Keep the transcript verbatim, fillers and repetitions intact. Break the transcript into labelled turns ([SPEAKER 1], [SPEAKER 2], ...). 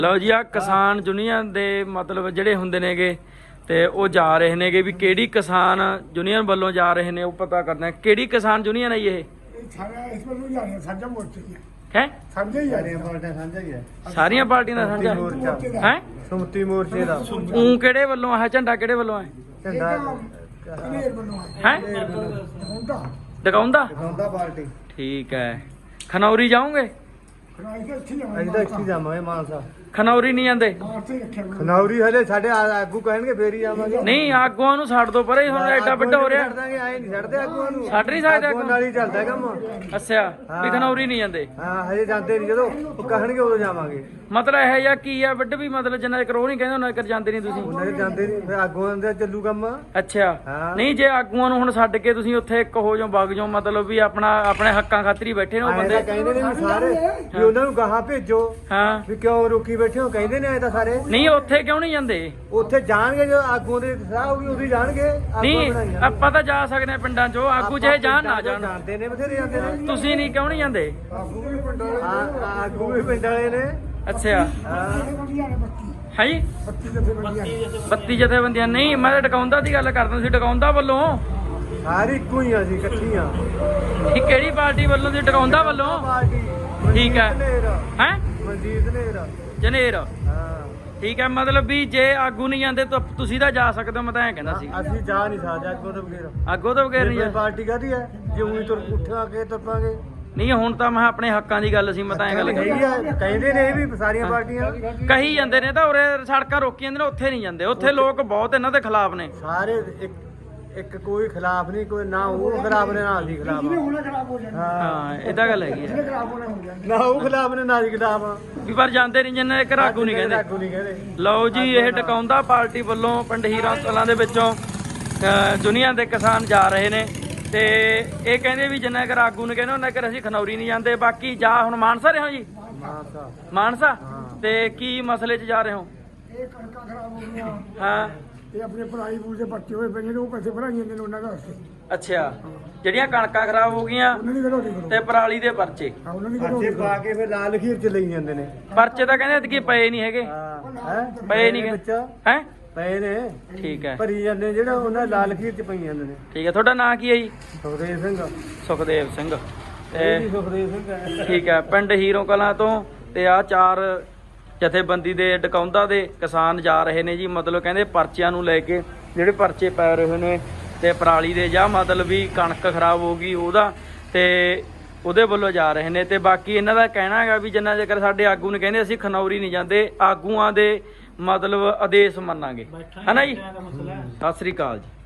[SPEAKER 1] ਲਓ ਜੀ ਆ ਕਿਸਾਨ ਯੂਨੀਅਨ ਦੇ ਮਤਲਬ ਜਿਹੜੇ ਹੁੰਦੇ ਨੇਗੇ ਤੇ ਉਹ ਜਾ ਰਹੇ ਨੇਗੇ ਵੀ ਕਿਹੜੀ ਕਿਸਾਨ ਯੂਨੀਅਨ ਵੱਲੋਂ ਜਾ ਰਹੇ ਨੇ ਉਹ ਪਤਾ ਕਰਨਾ ਹੈ। ਕਿਹੜੀ ਕਿਸਾਨ ਯੂਨੀਅਨ ਹੈ ਜੀ ਇਹ?
[SPEAKER 2] ਸਾਰਾ ਇਸ ਵੱਲੋਂ ਜਾ ਰਹੇ ਸਾਂਝਾ ਮੋਰਚੇ ਹੀ
[SPEAKER 1] ਹੈ
[SPEAKER 2] ਸਾਂਝਾ ਹੀ ਆ
[SPEAKER 3] ਸਾਰੀਆਂ ਪਾਰਟੀਆਂ ਸਾਂਝਾ ਹੀ ਹੈ।
[SPEAKER 1] ਸਾਰੀਆਂ ਪਾਰਟੀਆਂ ਦਾ ਸਾਂਝਾ
[SPEAKER 3] ਮੋਰਚਾ
[SPEAKER 1] ਹੈ।
[SPEAKER 3] ਸੁਮਤੀ ਮੋਰਚੇ ਦਾ
[SPEAKER 1] ਉਹ ਕਿਹੜੇ ਵੱਲੋਂ ਆ? ਝੰਡਾ ਕਿਹੜੇ ਵੱਲੋਂ ਹੈ?
[SPEAKER 3] ਝੰਡਾ
[SPEAKER 2] ਕਨੇਰ ਵੱਲੋਂ
[SPEAKER 1] ਹੈ
[SPEAKER 2] ਹੁੰਦਾ
[SPEAKER 1] ਦਿਖਾਉਂਦਾ।
[SPEAKER 3] ਦਿਖਾਉਂਦਾ ਪਾਰਟੀ।
[SPEAKER 1] ਠੀਕ ਹੈ। ਖਨੌਰੀ ਜਾਓਗੇ?
[SPEAKER 2] ਖਰਾਈ ਤੇ ਇੱਥੇ
[SPEAKER 3] ਅਸੀਂ ਤਾਂ ਇੱਥੇ ਜਾਵਾਂਗੇ ਮਾਨਸਾ।
[SPEAKER 1] ਖਨੌਰੀ ਨਹੀਂ ਜਾਂਦੇ?
[SPEAKER 2] ਮਾਰਤੇ ਰੱਖਿਆ ਹੋਇਆ।
[SPEAKER 3] ਖਨੌਰੀ ਹਲੇ ਸਾਡੇ ਆ- ਆਗੂ ਕਹਿਣਗੇ ਫੇਰ ਹੀ ਜਾਵਾਂਗੇ।
[SPEAKER 1] ਨਹੀਂ ਆਗੂਆਂ ਨੂੰ ਛੱਡ ਦੋ ਪਰੇ, ਹੁਣ ਐਡਾ ਵੱਡਾ ਹੋ ਰਿਹਾ।
[SPEAKER 3] ਛੱਡ ਦਾਂਗੇ, ਆਏ ਨਹੀਂ ਛੱਡਦੇ ਆਗੂਆਂ ਨੂੰ।
[SPEAKER 1] ਛੱਡ ਨਹੀਂ ਸਕਦੇ
[SPEAKER 3] ਆਗੂਆਂ ਨਾਲ ਹੀ ਚੱਲਦਾ ਕੰਮ।
[SPEAKER 1] ਅੱਛਾ ਵੀ ਖਨੌਰੀ ਨਹੀਂ ਜਾਂਦੇ।
[SPEAKER 3] ਹਾਂ ਹਜੇ ਜਾਂਦੇ ਨਹੀਂ, ਜਦੋਂ ਉਹ ਕਹਿਣਗੇ ਉਦੋਂ ਜਾਵਾਂਗੇ।
[SPEAKER 1] ਮਤਲਬ ਇਹ ਜਿਹਾ ਕੀ ਆ ਵੱਡ ਵੀ ਮਤਲਬ ਜਿੰਨਾ ਚਿਰ ਉਹ ਨਹੀਂ ਕਹਿੰਦੇ ਉਹਨਾਂ ਚਿਰ ਜਾਂਦੇ ਨਹੀਂ ਤੁਸੀਂ?
[SPEAKER 3] ਉਹਨਾਂ ਦੇ ਜਾਂਦੇ ਨਹੀਂ, ਫਿਰ ਆਗੂਆਂ ਦਾ ਚੱਲੂ ਕੰਮ।
[SPEAKER 1] ਅੱਛਾ
[SPEAKER 3] ਹਾਂ।
[SPEAKER 1] ਨਹੀਂ ਜੇ ਆਗੂਆਂ ਨੂੰ ਹੁਣ ਛੱਡ ਕੇ ਤੁਸੀਂ ਉੱਥੇ ਇੱਕ ਹੋ ਜਾਓ ਵਗ ਜਾਓ, ਮਤਲਬ ਵੀ ਆਪਣਾ ਆਪਣੇ ਹੱਕਾਂ ਖਾਤਰ ਹੀ ਬੈਠੇ ਨੇ ਉਹ
[SPEAKER 3] ਆਏ ਤਾਂ
[SPEAKER 1] ਬੰਦੇ।
[SPEAKER 3] ਕਹਿੰਦੇ ਨੇ ਵੀ ਸਾਰੇ ਵੀ ਉਹਨਾਂ ਨੂੰ ਗਾਹਾਂ ਭੇਜੋ
[SPEAKER 1] ਹਾਂ
[SPEAKER 3] ਵੀ ਕਿਉਂ ਰੋਕੀ ਬੈਠੇ ਹੋ, ਕਹਿੰਦੇ ਨੇ ਆਏ ਤਾਂ ਸਾਰੇ।
[SPEAKER 1] ਨਹੀਂ ਉੱਥੇ ਕਿਉਂ ਨਹੀਂ ਜਾਂਦੇ?
[SPEAKER 3] ਉੱਥੇ ਜਾਣਗੇ ਜਦੋਂ ਆਗੂਆਂ ਦੇ ਸਲਾਹ ਹੋਊਗੀ ਉਦੋਂ ਹੀ ਜਾਣਗੇ। ਆਗੂਆਂ
[SPEAKER 1] ਨਹੀਂ
[SPEAKER 3] ਬਣਾਈਆਂ।
[SPEAKER 1] ਆਪਾਂ ਤਾਂ ਜਾ ਸਕਦੇ ਹਾਂ ਪਿੰਡਾਂ ਚੋਂ, ਆਗੂ ਚਾਹੇ ਜਾਣ ਨਾ ਜਾਣ।
[SPEAKER 3] ਜਾਂਦੇ ਨੇ ਬਥੇਰੇ ਜਾਂਦੇ ਨੇ।
[SPEAKER 1] ਤੁਸੀਂ ਨਹੀਂ ਕਿਉਂ ਨਹੀਂ ਜਾਂਦੇ?
[SPEAKER 2] ਆਗੂ ਵੀ ਪਿੰਡ ਵਾਲੇ
[SPEAKER 3] ਆ- ਆਗੂ ਵੀ ਪਿੰਡ ਵਾਲੇ ਨੇ।
[SPEAKER 1] ਅੱਛਾ
[SPEAKER 3] ਹਾਂ
[SPEAKER 2] ਜਥੇਬੰਦੀਆਂ ਨੇ ਬੱਤੀ
[SPEAKER 1] ਹੈ ਜੀ
[SPEAKER 2] ਬੱਤੀ ਜਥੇਬੰਦੀਆਂ ਨੇ।
[SPEAKER 1] ਬੱਤੀ ਜਥੇਬੰਦੀਆਂ ਨਹੀਂ, ਮੈਂ ਤਾਂ ਡਕਾਉਂਦਾ ਦੀ ਗੱਲ ਕਰਦਾ ਸੀ। ਡਕਾਉਂਦਾ ਵੱਲੋਂ
[SPEAKER 3] ਸਾਰੇ ਇੱਕੋ ਹੀ ਆ, ਅਸੀਂ ਇਕੱਠੀਆਂ
[SPEAKER 1] ਇਹ ਕਿਹੜੀ ਪਾਰਟੀ ਵੱਲੋਂ ਦੀ? ਡਕਾਉਂਦਾ ਵੱਲੋਂ।
[SPEAKER 3] ਪਾਰਟੀ।
[SPEAKER 1] ਠੀਕ ਹੈ।
[SPEAKER 3] ਮਨਜੀਤ ਨੇਰ।
[SPEAKER 1] ਹੈ
[SPEAKER 3] ਮਨਜੀਤ ਨੇਰ।
[SPEAKER 1] ਜਨੇਰ।
[SPEAKER 3] ਹਾਂ
[SPEAKER 1] ਠੀਕ ਹੈ, ਮਤਲਬ ਵੀ ਜੇ ਆਗੂ ਨਹੀਂ ਜਾਂਦੇ ਤਾਂ ਤੁਸੀਂ ਤਾਂ ਜਾ ਸਕਦੇ ਹੋ, ਮੈਂ ਤਾਂ ਐਂ ਕਹਿੰਦਾ ਸੀ।
[SPEAKER 3] ਅਸੀਂ ਜਾ ਨਹੀਂ ਸਕਦੇ ਅੱਗੋਂ ਤੋਂ ਬਗੈਰ।
[SPEAKER 1] ਆਗੂ ਤੋਂ ਬਗੈਰ ਨਹੀਂ
[SPEAKER 3] ਇਹ
[SPEAKER 1] ਜਾ-
[SPEAKER 3] ਪਾਰਟੀ ਕਾਹਦੀ ਹੈ ਜੇ ਉਹੀ ਤੁਰ ਉੱਠਾ ਕੇ ਤੁਰਪਾਂਗੇ।
[SPEAKER 1] ਨਹੀਂ ਹੁਣ ਤਾਂ ਮੈਂ ਆਪਣੇ ਹੱਕਾਂ ਦੀ ਗੱਲ ਸੀ, ਮੈਂ ਤਾਂ ਐਂ ਗੱਲ ਕਹੀ।
[SPEAKER 3] ਹੈਗੀ ਆ, ਕਹਿੰਦੇ ਨੇ ਇਹ ਵੀ ਸਾਰੀਆਂ ਪਾਰਟੀਆਂ
[SPEAKER 1] ਕਹੀ ਜਾਂਦੇ ਨੇ ਤਾਂ ਉਰੇ ਸੜਕਾਂ ਰੋਕੀ ਜਾਂਦੇ ਨੇ, ਉੱਥੇ ਨਹੀਂ ਜਾਂਦੇ। ਉੱਥੇ ਲੋਕ ਬਹੁਤ ਇਹਨਾਂ ਦੇ ਖਿਲਾਫ ਨੇ।
[SPEAKER 3] ਸਾਰੇ ਇੱਕ ਇੱਕ ਕੋਈ ਖਿਲਾਫ ਨਹੀਂ, ਕੋਈ ਨਾ ਉਹ ਖਿਲਾਫ ਨੇ ਨਾ ਅਸੀਂ ਖਿਲਾਫ
[SPEAKER 2] ਜਿਹਨੇ
[SPEAKER 3] ਆ।
[SPEAKER 2] ਹੋਣਾ ਖਰਾਬ ਹੋ ਜਾਣਾ।
[SPEAKER 1] ਹਾਂ ਇਹ ਤਾਂ ਗੱਲ ਹੈਗੀ
[SPEAKER 2] ਜਿਹਨੇ
[SPEAKER 1] ਹੈ
[SPEAKER 2] ਖਰਾਬ ਹੋਣਾ ਹੋ ਜਾਣਾ।
[SPEAKER 3] ਨਾ ਉਹ ਖਿਲਾਫ ਨੇ ਨਾ ਅਸੀਂ ਖਿਲਾਫ ਆ।
[SPEAKER 1] ਵੀ ਪਰ ਜਾਂਦੇ ਨਹੀਂ ਜਿੰਨੇ ਇੱਕ ਆਗੂ ਨਹੀਂ ਕਹਿੰਦੇ।
[SPEAKER 3] ਆਗੂ ਨਹੀਂ ਕਹਿੰਦੇ।
[SPEAKER 1] ਲਓ ਜੀ ਇਹ ਡਕਾਉਂਦਾ ਪਾਰਟੀ ਵੱਲੋਂ ਪਿੰਡ ਹੀਰਾ ਕਲਾਂ ਦੇ ਵਿੱਚੋਂ ਦੁਨੀਆ ਦੇ ਕਿਸਾਨ ਜਾ ਰਹੇ ਨੇ ਤੇ ਇਹ ਕਹਿੰਦੇ ਵੀ ਜਿੰਨਾ ਕਰ ਆਗੂ ਨੇ ਕਹਿੰਦੇ ਉਹਨਾਂ ਕਰ ਅਸੀਂ ਖਨੌਰੀ ਨਹੀਂ ਜਾਂਦੇ। ਬਾਕੀ ਜਾ ਹੁਣ ਮਾਨਸਾ ਰਹੇ ਹੋ ਜੀ?
[SPEAKER 3] ਮਾਨਸਾ।
[SPEAKER 1] ਮਾਨਸਾ
[SPEAKER 3] ਹਾਂ।
[SPEAKER 1] ਤੇ ਕੀ ਮਸਲੇ 'ਚ ਜਾ ਰਹੇ ਹੋ?
[SPEAKER 2] ਇਹ ਕਣਕਾਂ ਖਰਾਬ ਹੋ ਗਈਆਂ।
[SPEAKER 1] ਹਾਂ
[SPEAKER 2] ਇਹ ਆਪਣੇ ਪੜਾਈ ਪੂਰ ਦੇ ਬੱਚੇ ਹੋਏ ਪਏ ਨੇ, ਉਹ ਪੈਸੇ ਭਰਾਈ ਜਾਂਦੇ ਨੇ ਉਹਨਾਂ ਦਾ ਵਾਸਤੇ।
[SPEAKER 1] ਅੱਛਾ ਜਿਹੜੀਆਂ ਕਣਕਾਂ ਖਰਾਬ ਹੋ ਗਈਆਂ
[SPEAKER 2] ਉਹਨਾਂ ਦੀ ਕਰੋ
[SPEAKER 1] ਤੇ ਪਰਾਲੀ ਦੇ ਪਰਚੇ।
[SPEAKER 2] ਹਾਂ ਉਹਨਾਂ ਦੀ ਕਰੋ
[SPEAKER 3] ਅੱਛੇ ਪਾ ਕੇ ਫਿਰ ਲਾਲ ਖੀਰ ਚ ਲਈ ਜਾਂਦੇ ਨੇ।
[SPEAKER 1] ਪਰਚੇ ਤਾਂ ਕਹਿੰਦੇ ਕਿ ਪਏ ਨਹੀਂ ਹੈਗੇ।
[SPEAKER 3] ਹਾਂ ਹੈ
[SPEAKER 1] ਪਏ ਨਹੀਂ
[SPEAKER 3] ਵਿੱਚ
[SPEAKER 1] ਹੈ।
[SPEAKER 3] ਪਏ ਨੇ
[SPEAKER 1] ਠੀਕ ਹੈ
[SPEAKER 3] ਭਰੀ ਜਾਂਦੇ, ਜਿਹੜਾ ਉਹਨਾਂ ਲਾਲ ਖੀਰ ਚ ਪਈ ਜਾਂਦੇ ਨੇ।
[SPEAKER 1] ਠੀਕ ਹੈ। ਤੁਹਾਡਾ ਨਾਂ ਕੀ ਹੈ ਜੀ?
[SPEAKER 3] ਸੁਖਦੇਵ ਸਿੰਘ।
[SPEAKER 1] ਸੁਖਦੇਵ ਸਿੰਘ।
[SPEAKER 3] ਇਹ ਵੀ
[SPEAKER 1] ਤੇ
[SPEAKER 3] ਸੁਖਦੇਵ ਸਿੰਘ ਹੈ।
[SPEAKER 1] ਠੀਕ ਹੈ, ਪਿੰਡ ਹੀਰੋ ਕਲਾਂ ਤੋਂ ਤੇ ਆ ਚਾਰ ਜਥੇਬੰਦੀ ਦੇ ਡਕਾਉਂਦਾ ਦੇ ਕਿਸਾਨ ਜਾ ਰਹੇ ਨੇ ਜੀ। ਮਤਲਬ ਕਹਿੰਦੇ ਪਰਚਿਆਂ ਨੂੰ ਲੈ ਕੇ, ਜਿਹੜੇ ਪਰਚੇ ਪੈ ਰਹੇ ਨੇ ਤੇ ਪਰਾਲੀ ਦੇ ਜਾਂ ਮਤਲਬ ਵੀ ਕਣਕ ਖਰਾਬ ਹੋ ਗਈ ਉਹਦਾ, ਤੇ ਉਹਦੇ ਵੱਲੋਂ ਜਾ ਰਹੇ ਨੇ। ਤੇ ਬਾਕੀ ਇਹਨਾਂ ਦਾ ਕਹਿਣਾ ਹੈਗਾ ਵੀ ਜਿੰਨਾ ਚਿਰ ਸਾਡੇ ਆਗੂ ਨੇ ਕਹਿੰਦੇ ਅਸੀਂ ਖਨੌਰੀ ਨਹੀਂ ਜਾਂਦੇ, ਆਗੂਆਂ ਦੇ ਮਤਲਬ ਆਦੇਸ਼ ਮੰਨਾਂਗੇ, ਹੈ ਨਾ ਜੀ? ਸਤਿ ਸ੍ਰੀ ਅਕਾਲ ਜੀ।